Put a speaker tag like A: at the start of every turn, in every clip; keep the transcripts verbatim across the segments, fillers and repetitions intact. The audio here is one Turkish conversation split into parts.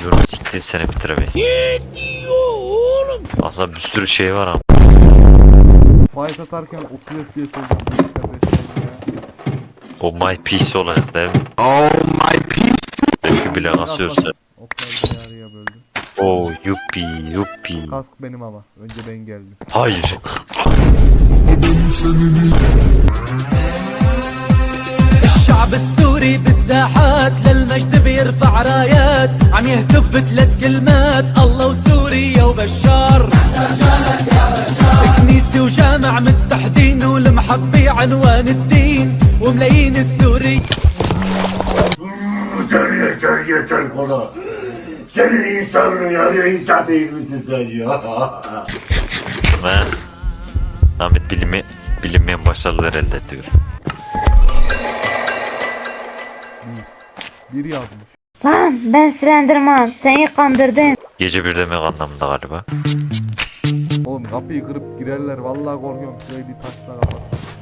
A: Yorum siktir seni bitiremeyiz.
B: Ne diyor oğlum?
A: Aslında bir sürü şey var ama.
C: Fight atarken otuz F P S olacağım. Serbest ya.
A: O my piece olacak değil mi?
B: Oh my piece.
A: Belki bile asıyorsa.
C: Oklar yarıya böldüm.
A: Oo yuppi yuppi.
C: Kask benim ama. Önce ben geldim.
A: Hayır.
D: الشعب السوري بالساحات للمجد بيرفع رايات عم يهتف بثلاث كلمات الله وسوريا وبشار كنيسة وجامع متحدين ولمحط بعنوان الدين وملايين السوري
E: Yeter yeter yeter bana. Senin insanın ya, ya insan değil misin sen ya?
A: Ve Ahmet bilimi bilinmeyen başarılar elde ediyor.
C: Bir. Bir yazmış.
F: Lan ben Slenderman, seni kandırdım.
A: Gece bir demek anlamında galiba.
C: Oğlum kapıyı kırıp girerler. Vallahi korkuyorum. Şurayı bir taşla kapat.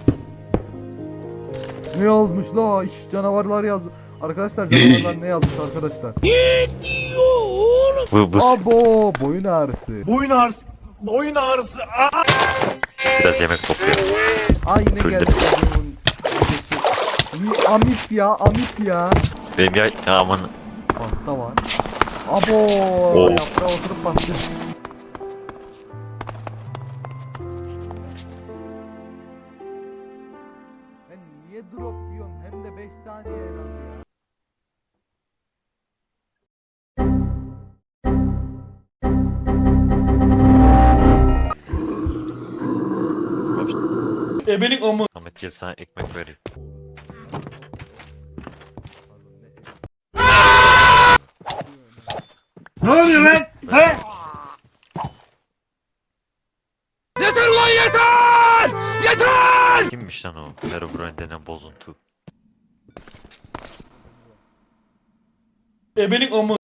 C: Ne yazmış la? İş canavarlar yazmış. Arkadaşlar canavarlar ne yazmış arkadaşlar?
B: Ne diyor oğlum?
A: Bu bu
C: Abo boyun ağrısı.
B: Boyun ağrısı. Boyun ağrısı.
A: biraz yemek topluyor.
C: Ay ne geldi.
A: Öldürdüm.
C: Ni- Amip ya amip ya.
A: Benim ya, ya aman
C: Pasta var. Abo
A: Oo.
C: yaprağa oturup bastı. Ben niye drop yiyorum hem de beş saniye en az ya.
B: Ebelik amı.
A: Ahmet gel sana ekmek vereyim.
E: Ne oluyor lan? He?
B: Yeter lan yeter! Yeter!
A: Kimmiş lan o? Herobrine denen bozuntu.
B: Ebelik amı.